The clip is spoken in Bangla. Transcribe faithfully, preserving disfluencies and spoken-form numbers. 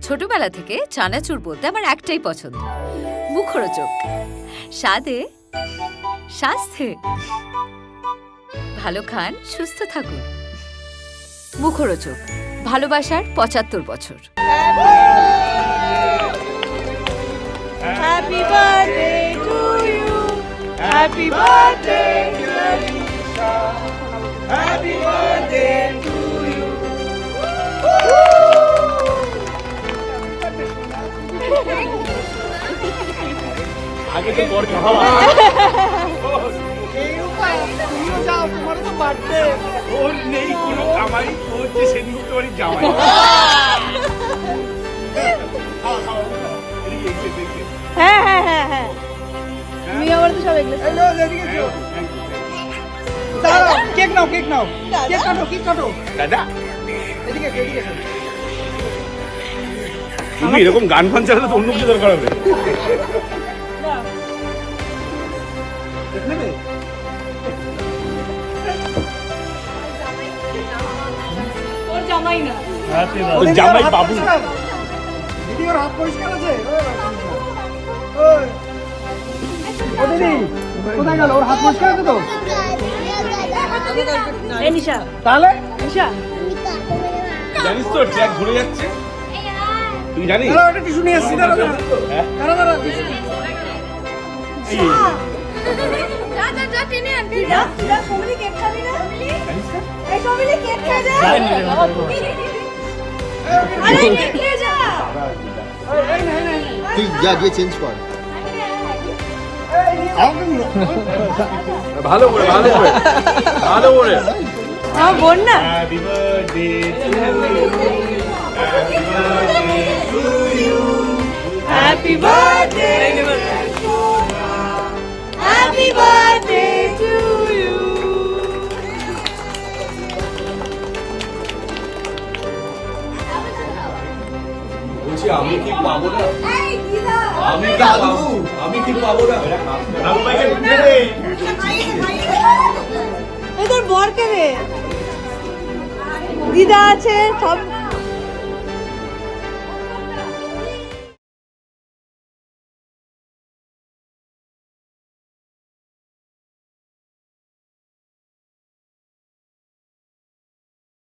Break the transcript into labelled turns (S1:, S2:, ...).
S1: ছোটবেলা থেকে চানাচুর বলতে আমার একটাই পছন্দ, মুখরোচক, স্বাদে স্বাস্থ্যে। ভালো খান, সুস্থ থাকুন। মুখরোচক, ভালোবাসার পঁচাত্তর বছর।
S2: Happy birthday to you. Happy birthday, Latisha. Happy birthday to you.
S3: আগে তো বড় খাওয়া
S2: এই উপায় তুমিও যাও, তোমার তো বার্থডে।
S3: ওর নেই কোনো কামাই, ও হচ্ছে সেনগুপ্ত বাড়ির জামাই। খাওয়া খাওয়া এদিকে এদিকে এদিকে।
S2: হ্যাঁ হ্যাঁ হ্যাঁ হ্যাঁ তুমি আবার তো সব এগুলো
S4: হ্যালো এদিকে এসো। দাঁড়াও, কেক নাও কেক নাও কেক কাটো কেক কাটো
S3: দাদা
S4: এদিকে এসো, এদিকে এসো।
S3: তুমি এরকম গান ফান চালালে তো অন্য কিছু দরকার হবে।
S4: নেবে?
S2: তোর জামাই না।
S3: ওর জামাই বাবু।
S4: দিদি ওর হাত পরিষ্কার আছে? ওই, ও দিদি কোথায় গেল? ওর হাত পরিষ্কার আছে তো?
S2: এই নিশা,
S4: তাহলে
S2: নিশা
S3: জানিস তো ট্র্যাক ঘুরে যাচ্ছে, তুই জানিস?
S4: দাঁড়াও, একটা টিস্যু নিয়ে এসছি, দাঁড়াও দাঁড়াও
S3: হ্যাঁ?
S4: দাঁড়াও দাঁড়াও
S3: এই,
S2: যা যা যা টেনে আনবি। যা যা সমিলি কেক খাবি না?
S3: জানিস না?
S2: এই সমিলি কেক খেয়ে যা।
S3: যাই না রে, বাবা।
S2: আরে কেক খেয়ে যা।
S4: এই না এই না এই না।
S5: তুই যা গিয়ে চেঞ্জ কর।
S3: ভালো করে ভালো করে ভালো করে।
S2: আমার বোন না।
S3: Happy birthday to you, happy birthday to you,
S2: happy birthday, happy birthday to you.
S6: বলছি আমি কি পাবো না?
S2: এই দিদা,
S6: আমি কি পাবো? আমি কি পাবো না?
S3: রামু ভাইকে নিয়ে রে।
S2: এই তোর বর কে রে? দিদা আছে সব